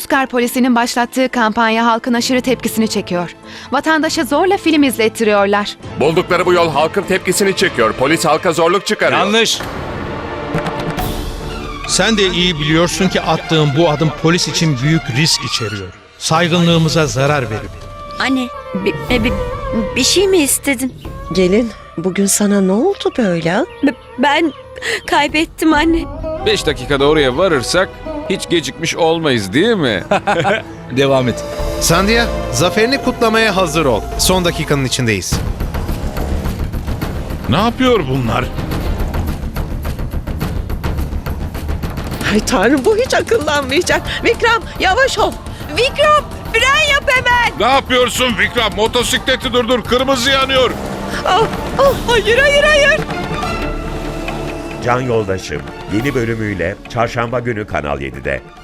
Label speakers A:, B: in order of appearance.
A: Puskar polisinin başlattığı kampanya halkın aşırı tepkisini çekiyor. Vatandaşa zorla film izlettiriyorlar.
B: Buldukları bu yol halkın tepkisini çekiyor. Polis halka zorluk çıkarıyor.
C: Yanlış.
D: Sen de iyi biliyorsun ki attığın bu adım polis için büyük risk içeriyor. Saygınlığımıza zarar verir.
E: Anne, bir şey mi istedin?
F: Gelin, bugün sana ne oldu böyle?
E: Ben kaybettim anne.
C: 5 dakikada oraya varırsak hiç gecikmiş olmayız değil mi?
G: Devam et.
H: Sandhya, zaferini kutlamaya hazır ol. Son dakikanın içindeyiz.
I: Ne yapıyor bunlar?
F: Ay Tanrım, bu hiç akıllanmayacak. Vikram, yavaş ol.
E: Vikram, fren yap hemen.
I: Ne yapıyorsun Vikram? Motosikleti durdur. Kırmızı yanıyor.
E: Hayır.
J: Can Yoldaşım yeni bölümüyle Çarşamba günü Kanal 7'de.